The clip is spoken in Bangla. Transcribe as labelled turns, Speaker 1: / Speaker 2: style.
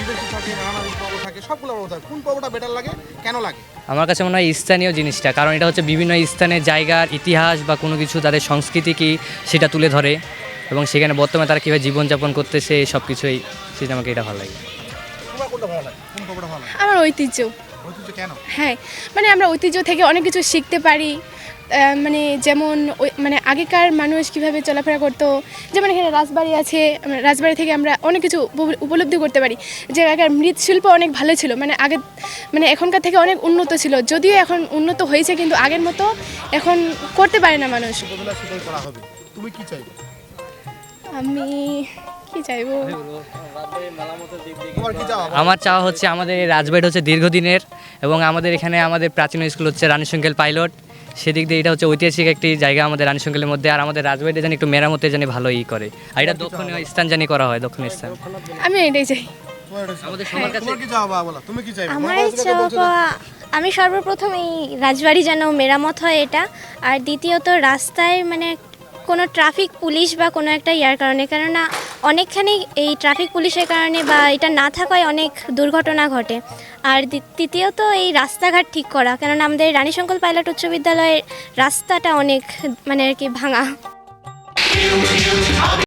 Speaker 1: আদিবাসী থাকে, নানান পর্ব থাকে, সবগুলো পর্ব থাকে, কোন পর্বটা বেটার লাগে, কেন লাগে?
Speaker 2: আমার কাছে মনে হয় স্থানীয় জিনিসটা, কারণ এটা হচ্ছে বিভিন্ন স্থানের জায়গার ইতিহাস বা কোনো কিছু তাদের সংস্কৃতি কি সেটা তুলে ধরে, এবং সেখানে বর্তমানে তারা কীভাবে জীবনযাপন করতেছে সব কিছুই, সেটা আমাকে এটা ভালো লাগে।
Speaker 1: তোমার কোনটা ভালো লাগে, কোন পর্বটা ভালো লাগে?
Speaker 3: আমার ঐতিহ্য।
Speaker 1: ঐতিহ্য কেন?
Speaker 3: হ্যাঁ, মানে আমরা ঐতিহ্য থেকে অনেক কিছু শিখতে পারি। মানে যেমন মানে আগেকার মানুষ কিভাবে চলাফেরা করতো, যেমন এখানে রাজবাড়ি আছে, রাজবাড়ি থেকে আমরা অনেক কিছু উপলব্ধি করতে পারি। যে আগেকার মৃৎশিল্প অনেক ভালো ছিল, মানে আগে মানে এখনকার থেকে অনেক উন্নত ছিল, যদিও এখন উন্নত হয়েছে কিন্তু আগের মতো এখন করতে পারে না মানুষ।
Speaker 1: ছোটবেলা সেটাই করা হবে, তুমি কি চাইবে?
Speaker 3: আমি কি চাইবো,
Speaker 1: তোমার কি চাওয়া?
Speaker 2: আমার চাওয়া হচ্ছে আমাদের এই রাজবাড়িটা হচ্ছে দীর্ঘদিনের, এবং আমাদের এখানে আমাদের প্রাচীন স্কুল হচ্ছে রানী শঙ্কেল পাইলট, সেদিক দিয়ে এটা হচ্ছে ঐতিহাসিক একটি জায়গা আমাদের রানী শঙ্কেলের মধ্যে। আর আমাদের রাজবাড়িটা জানি একটু মেরামতে জানি ভালো করে, আর এটা দক্ষিণীয় স্থান জানি করা হয়, দক্ষিণ স্থান।
Speaker 3: আমি এটাই চাই।
Speaker 2: আমাদের সবার কাছে
Speaker 1: তোমার কি চাওয়া বলো, তুমি কি চাইবে?
Speaker 4: আমার চাওয়া, আমি সর্বপ্রথম এই রাজবাড়ি যেন মেরামত হয় এটা, আর দ্বিতীয়ত রাস্তায় মানে কোনো ট্রাফিক পুলিশ বা কোনো একটা ইয়ার কারণে, কেননা অনেকখানি এই ট্রাফিক পুলিশের কারণে বা এটা না থাকায় অনেক দুর্ঘটনা ঘটে। আর তৃতীয়ত এই রাস্তাঘাট ঠিক করা, কেননা আমাদের রানী শঙ্কর পাইলট উচ্চ বিদ্যালয়ের রাস্তাটা অনেক মানে আর কি ভাঙা।